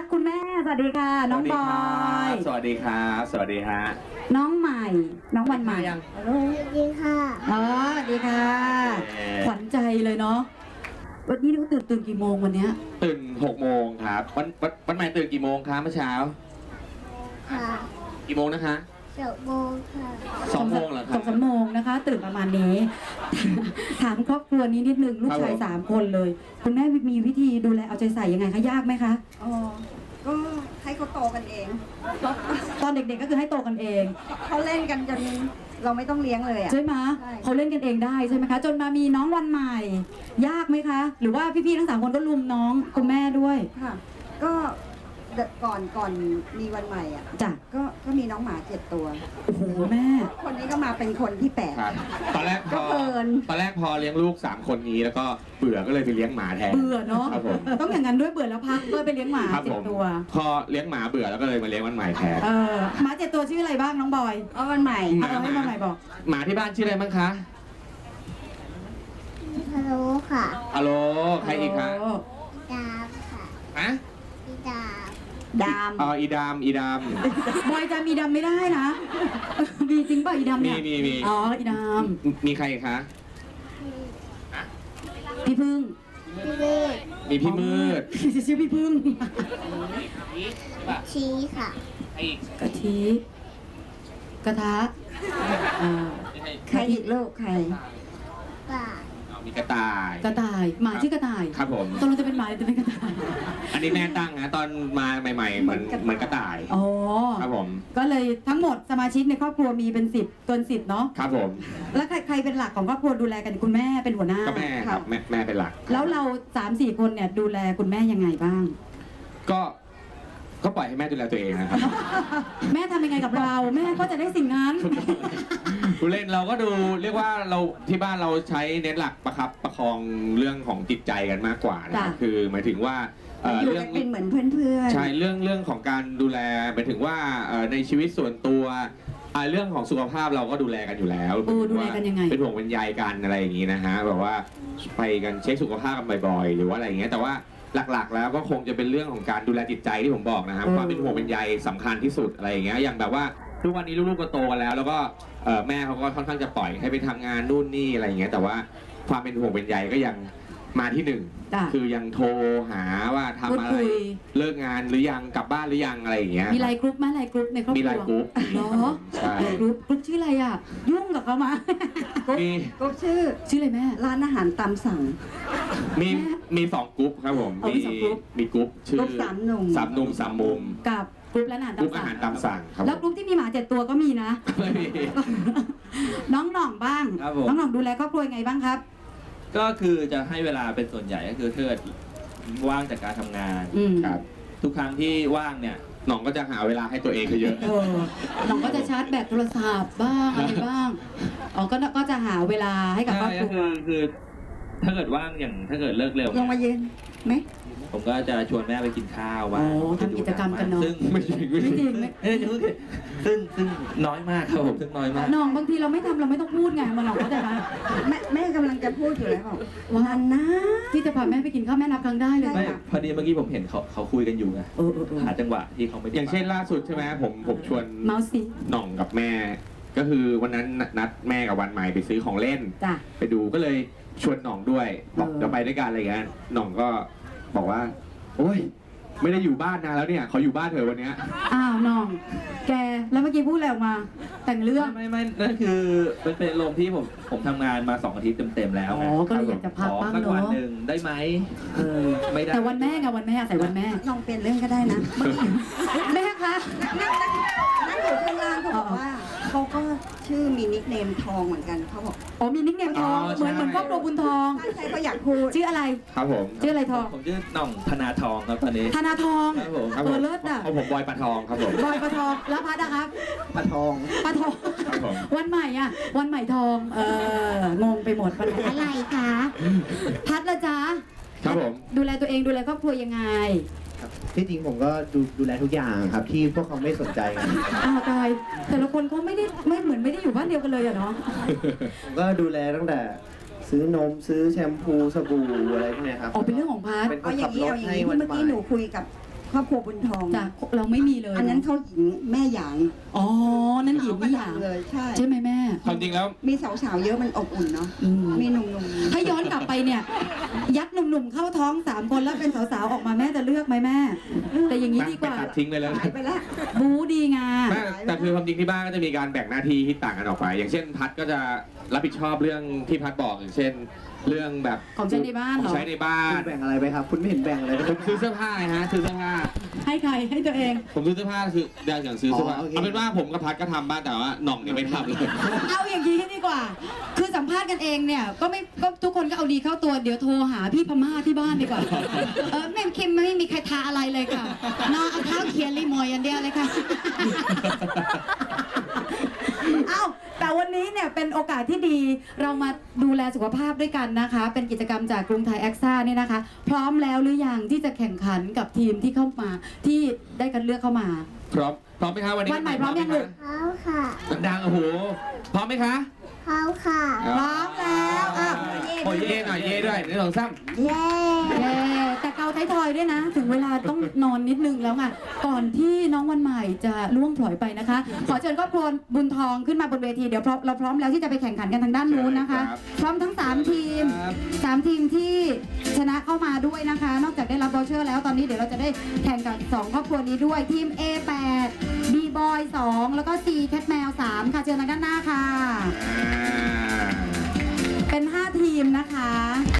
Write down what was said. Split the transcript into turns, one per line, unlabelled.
ดคุณแม่สวัสดีค่ะน้องบอย
สวัสดีครับสวัสดีฮะ
น้องใหม่น้องวันใหม่
ยัง
สวัสดีค่ะ
อ๋อสวัสดีค่ะขวัญใจเลยเนาะวันนี้เราตื่นกี่โมงวันเนี้ย
ตื่น6 โมงครับวันใหม่ตื่นกี่โมงครับเมื่อเช้า
ค่ะ
กี่โมงนะคะ
2 โมงค่ะ
2 โมงเหรอครับ
2-3 โมงนะคะตื่นประมาณนี้ ถามครอบครัวนี้นิดนึงลูกชาย3 คนเลยคุณแม่มีวิธีดูแลเอาใจใส่ยังไงคะยากไหมคะ
อ๋อก็ให้เขาโตกันเอง
ตอนเด็กๆก็คือให้โตกันเอง
เขาเล่นกันจนเราไม่ต้องเลี้ยงเลยอ่ะ
ใช่ไหมเขาเล่นกันเองได้ใช่ไหมคะจนมามีน้องวันใหม่ ยากไหมคะ หรือว่าพี่ๆทั้ง3 คนก็ลุมน้องคุณแม่ด้วย
ค่ะก็ก่อนมีวันใหม่อ่ะ
จ้ะ
ก็มีน้องหมา7 ตัว
โอ้โหแม่
คนนี้ก็มาเป็นคนที่
ครับตอนแรกพอเลี้ยงลูก3 คนนี้แล้วก็เบื่อก็เลยไปเลี้ยงหมาแทน
เบื่อเนาะต้องอย่างนั้นด้วยเบื่อแล้วพักก็ไปเลี้ยงหมา7 ตัว
พอเลี้ยงหมาเบื่อแล้วก็เลยมาเลี้ยงวันใหม่แทน
หมา7 ตัวชื่ออะไรบ้างน้องบอย
วันใหม่
เอาให้วันใหม่บอก
หมาที่บ้านชื่ออะไรบ้างคะ
ฮัลโหลค่ะ
ฮัลโหลใครอีกคะ
ดามค่ะ
ฮะ
อีดาม
ดาม
อีดาม
บอยจะมีดำไม่ได้นะมีจริงป่ะอีดำเนี่ย
มี
อ๋ออีดำ
มีใครคะ
พี่พึ่ง
มีพี่มืด
ชื่อพี่พึ่ง
ชี้ค่ะ
กะทิกระทะ
ใครอีกลูกใคร
ป่า
มีกระต่าย
หมาชื่อกระต่าย
ครับผม
ตอนเราจะเป็นหมาหรือจะเป็นกระต่าย
อันนี้แม่ตั้งนะตอนมาใหม่ๆเหมือนกระต่าย
อ๋อ
ครับผม
ก็เลยทั้งหมดสมาชิกในครอบครัวมีเป็น10เกิน10เนาะ
ครับผม
แล้วใครเป็นหลักของครอบครัวดูแลกันคุณแม่เป็นหัวหน้า
ก็แม่ครับแม่เป็นหลัก
แล้วเรา3-4 คนเนี่ยดูแลคุณแม่ยังไงบ้าง
ก็ปล่อยให้แม่ดูแลตัวเองนะครับ
แม่ทำยังไงกับเราแม่ก็จะได้สิ่งนั้น
ผู้เล่นเราก็ดูเรียกว่าเราที่บ้านเราใช้เน้นหลักประคองเรื่องของจิตใจกันมากกว่านะคือหมายถึงว่า
เรื่องเป็นเหมือนเพื่อน
ใช่เรื่องของการดูแลหมายถึงว่าในชีวิตส่วนตัวเรื่องของสุขภาพเราก็ดูแลกันอยู่แล้ว
ดูแลกันยังไง
เป็นห่วงเป็นใยกันอะไรอย่างนี้นะฮะแบบว่าไปกันเช็คสุขภาพกันบ่อยๆหรือว่าอะไรอย่างเงี้ยแต่ว่าหลักๆแล้วก็คงจะเป็นเรื่องของการดูแลจิตใจที่ผมบอกนะครับความเป็นห่วงเป็นใยสำคัญที่สุดอะไรอย่างเงี้ยอย่างแบบว่าทุกวันนี้ลูกๆก็โตกันแล้วก็แม่เขาก็ค่อนข้างจะปล่อยให้ไปทำงานนู่นนี่อะไรอย่างเงี้ยแต่ว่าความเป็นห่วงเป็นใยก็ยังมาที่1คือยังโทรหาว่าทำอะไรเลิกงานหรือยังกลับบ้านหรือยังอะไรอย่างเงี้ย
มีไลน์กรุ๊ปไหมไลน์กรุ๊ปในครอบครัว
มีไลน์กรุ๊ป
เนาะใช่กรุ๊ปชื่ออะไรอ่ะยุ่งกับเขามา
กรุ๊ปชื่อ
อะไรแม่
ร้านอาหารตามสั่ง
มี2 กรุ๊ปครับผมมีกรุ๊ปชื่อ
3 หนุ่ม
3 มุม
กับกรุ๊ปร้านอาหาร
ตามสั่งครับ
แล้วกรุ๊ปที่มีหมา7 ตัวก็มีนะน้องหน่องบ้างน้องหน่องดูแลครอบครัวยังไงบ้างครับ
ก็คือจะให้เวลาเป็นส่วนใหญ่ก็คือเทิดว่างจากการทำงาน
ครับ
ทุกครั้งที่ว่างเนี่ย
หน่องก็จะหาเวลาให้ตัวเองเยอะ
หน่องก็จะชาร์จแบตโทรศัพท์บ้างอะไรบ้างก็จะหาเวลาให้กับครอบครัว
คือถ้าเกิดว่างอย่างถ้าเกิดเลิกเร็ว
ลงมาเย็นไหม
ผมก็จะชวนแม่ไปกินข้าวว่า
ทำกิจกรรมกันเนาะ
ซึ่ง
ไม่จริง
ซึ่งน้อยมากครับผมซึ่งน้อยมาก
น้องบางทีเราไม่ทำเราไม่ต้องพูดไงมันหรอกเข้าใจไหม
แม่กำลังจะพูดอยู่แล้ว
วันนะที่จะพาแม่ไปกินข้าวแม่นับครั้งได้เลย
ไม่พอดีเมื่อกี้ผมเห็นเขาคุยกันอยู่ไงหาจังหวะที่เขาไม่
อย่างเช่นล่าสุดใช่ไหมผมชวน
เมาส์สิ
หน่องกับแม่ก็คือวันนั้นนัดแม่กับวันใหม่ไปซื้อของเล่นไปดูก็เลยชวนหน่องด้วยบอกเดี๋ยวไปด้วยกันอะไรเงี้ยหน่องก็บอกว่าโอ้ยไม่ได้อยู่บ้านนานแล้วเนี่ยขออยู่บ้านเถอะวันนี้
อ้าวน้องแกแล้วเมื่อกี้พูดอะไรออกมาแต่งเรื่อง
ไม่นั่นคือเป็นลมที่ผมทำงานมา2 อาทิตย์เต็มๆแล้ว
อ๋อก็เลยอยากจะพักบ้างเนาะ
วันหนึ่งได้ไหม
ไม่ได้แต่วันแม่ไงวันแม่ใส่วันแม่
ลองเปลี่ยนเรื่องก็ได้นะ
แม่คะ
นั่งอยู่ข้างล่างเขาบอกว่าเขาก็ชื่อมีนิคเนมทองเหมือนกันเขาบอก
อ๋อมีนิคเนมทองเหมือนครอบครัวบุญทอง
ใช่เขาอยากพูด
ชื่ออะไร
ครับผม
ชื่ออะไรทอง
ผมชื่อหน่องธนาทองครับตอนนี้
ธนาทอง
ครับผม
เลิศอ่ะ
ผมบอยปลาทองครับผม
บอยปลาทองแล้วพัดนะครับ
ปลาทอง
วันใหม่อ่ะวันใหม่ทองงงไปหมดอะไรคะพัดละจ๊ะ
ครับผม
ดูแลตัวเองดูแลครอบครัวยังไง
ที่จริงผมก็ดูแลทุกอย่างครับที่พวกเขาไม่สนใจกัน
ตายแต่ละคนเขาไม่เหมือนไม่ได้อยู่บ้านเดียวกันเลยอะเนาะ
ผมก็ดูแลตั้งแต่ซื้อนมซื้อแชมพูสบู่อะไรพวกนี้ครับ
เป็นเรื่องของพาร์ท
เอาอย่างนี้เมื่อกี้หนูคุยกับครอบครัวบุญทอง
จ้ะเราไม่มีเลย
อันนั้นเขาหญิงแม่หยาง
อ๋อนั่นหญิงไม่อย่าง
เลยใช่
ใช่ไหมแม่
ความจริงแล้ว
มีสาวๆเยอะมันอบอุ่นเนาะ
อืม
มีหนุ่มๆ
ถ้าย้อนกลับไปเนี่ย ยัดหนุ่มๆเข้าท้อง3 คนแล้วเป็นสาวๆออกมาแม่จะเลือกไหมแม่ แต่อย่างนี้ดีกว่า
ไปตัดทิ้งไปแล้ว
หายไปแล้ว
บูดีงา
แต่คือความจริงที่บ้านก็จะมีการแบ่งหน้าที่ที่ต่างกันออกไป อย่างเช่นพัดก็จะรับผิดชอบเรื่องที่พัดบอกอย่างเช่น เรื่องแบบ
ของใช้ในบ้านเหรอ
ของใช้ในบ้า
คุ
น
ณแบ่งอะไรไปครับ คุณไม่เห็นแบ่งอะไรเลย
ผมซื้อเสื้อผ้าไงฮะซื้อเสื้อผ้า
ให้ใครให้ตัวเอง
ผมซื้อเสื้อผ้าคืออย่างซื้อเสื้อผ้า
อ๋อโอเค
เอาเป็นว่าผมกับพัดก็ทำบ้างแต่ว่าหน่องเนี่ยไม่ทำเลย
เอาอย่างนี้ดีกว่า คือสัมภาษณ์กันเองเนี่ยก็ทุกคนก็เอาดีเข้าตัวเดี๋ยวโทรหาพี่พม่าที่บ้านดีกว่า แม่คิมไม่มีใครทาอะไรเลยค่ะนอนเอาเท้าเขียนรีโมยอย่างเดียวเลยค่ะ เอ้าแต่วันนี้เนี่ยเป็นโอกาสที่ดีเรามาดูแลสุขภาพด้วยกันนะคะ เป็นกิจกรรมจากกรุงไทยแอคซ่าเนี่ยนะคะ พร้อมแล้วหรือยังที่จะแข่งขันกับทีมที่เข้ามาที่ได้คัดเลือกเข้ามา
พร้อมไหมคะวันนี้
วันใหม่พร้อมยังลูก
เขาค่ะ
ดังๆโอ้โหพร้อมไหมคะ
เขาค่ะ
พร้อมแล้วอ่ะ
โอ้ยเย่หน่อยเย่ด้วย1 2 3
เย้
เย้แต่เกาไทยทอยด้วยนะ ถึงเวลาต้องนอนนิดนึงแล้วไงก่อนที่น้องวันใหม่จะล่วงพลอยไปนะคะ ขอเชิญครอบครัวบุญทองขึ้นมาบนเวทีเดี๋ยวเราพร้อมแล้วที่จะไปแข่งขันกันทางด้านนู้นนะคะ พร้อมทั้ง3ทีม3ทีมที่ชนะเข้ามาด้วยนะคะ นอกจากได้รับวอเชอร์แล้วตอนนี้เดี๋ยวเราจะได้แข่งกับ2ครอบครัวนี้ด้วยทีม A8 B Boy 2แล้วก็ C Cat แมว3ค่ะเชิญทางด้านหน้าค่ะ เป็น5ทีมนะคะ